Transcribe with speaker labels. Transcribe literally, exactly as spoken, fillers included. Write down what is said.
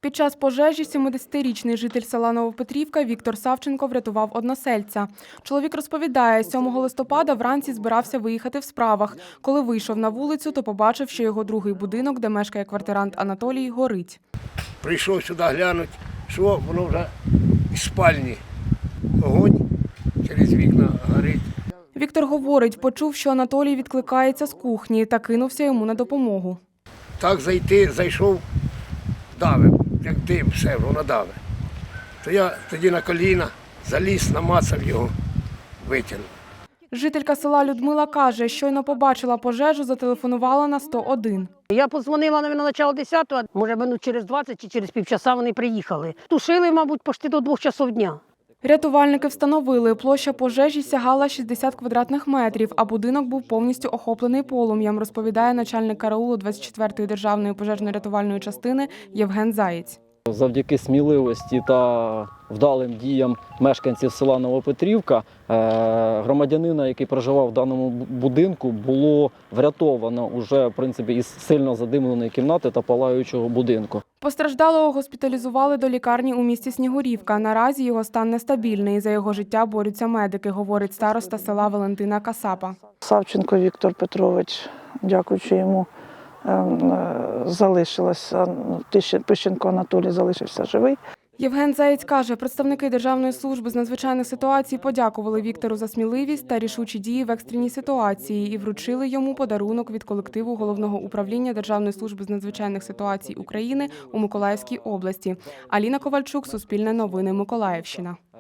Speaker 1: Під час пожежі сімдесятирічний житель села Новопетрівка Віктор Савченко врятував односельця. Чоловік розповідає, сьомого листопада вранці збирався виїхати в справах. Коли вийшов на вулицю, то побачив, що його другий будинок, де мешкає квартирант Анатолій, горить.
Speaker 2: Прийшов сюди глянути, що воно вже із спальні. Огонь через вікна горить.
Speaker 1: Віктор говорить, почув, що Анатолій відкликається з кухні та кинувся йому на допомогу.
Speaker 2: Так зайти, зайшов, давив, як дим, все, воно давив. То я тоді на коліна заліз, намацав його, витягнув.
Speaker 1: Жителька села Людмила каже, щойно побачила пожежу, зателефонувала на сто один.
Speaker 3: Я подзвонила на начало десятого, може минут через двадцять чи через півчаса вони приїхали. Тушили, мабуть, почти до двох часов дня.
Speaker 1: Рятувальники встановили, площа пожежі сягала шістдесят квадратних метрів, а будинок був повністю охоплений полум'ям, розповідає начальник караулу двадцять четвертої державної пожежно-рятувальної частини Євген Заєць.
Speaker 4: Завдяки сміливості та вдалим діям мешканців села Новопетрівка, громадянина, який проживав в даному будинку, було врятовано уже, в принципі, із сильно задимленої кімнати та палаючого будинку.
Speaker 1: Постраждалого госпіталізували до лікарні у місті Снігурівка. Наразі його стан нестабільний. За його життя борються медики, говорить староста села Валентина Касапа.
Speaker 5: Савченко Віктор Петрович, дякуючи йому, залишилося, Пищенко Анатолій залишився живий.
Speaker 1: Євген Заєць каже, представники Державної служби з надзвичайних ситуацій подякували Віктору за сміливість та рішучі дії в екстреній ситуації і вручили йому подарунок від колективу Головного управління Державної служби з надзвичайних ситуацій України у Миколаївській області. Аліна Ковальчук, Суспільне новини, Миколаївщина.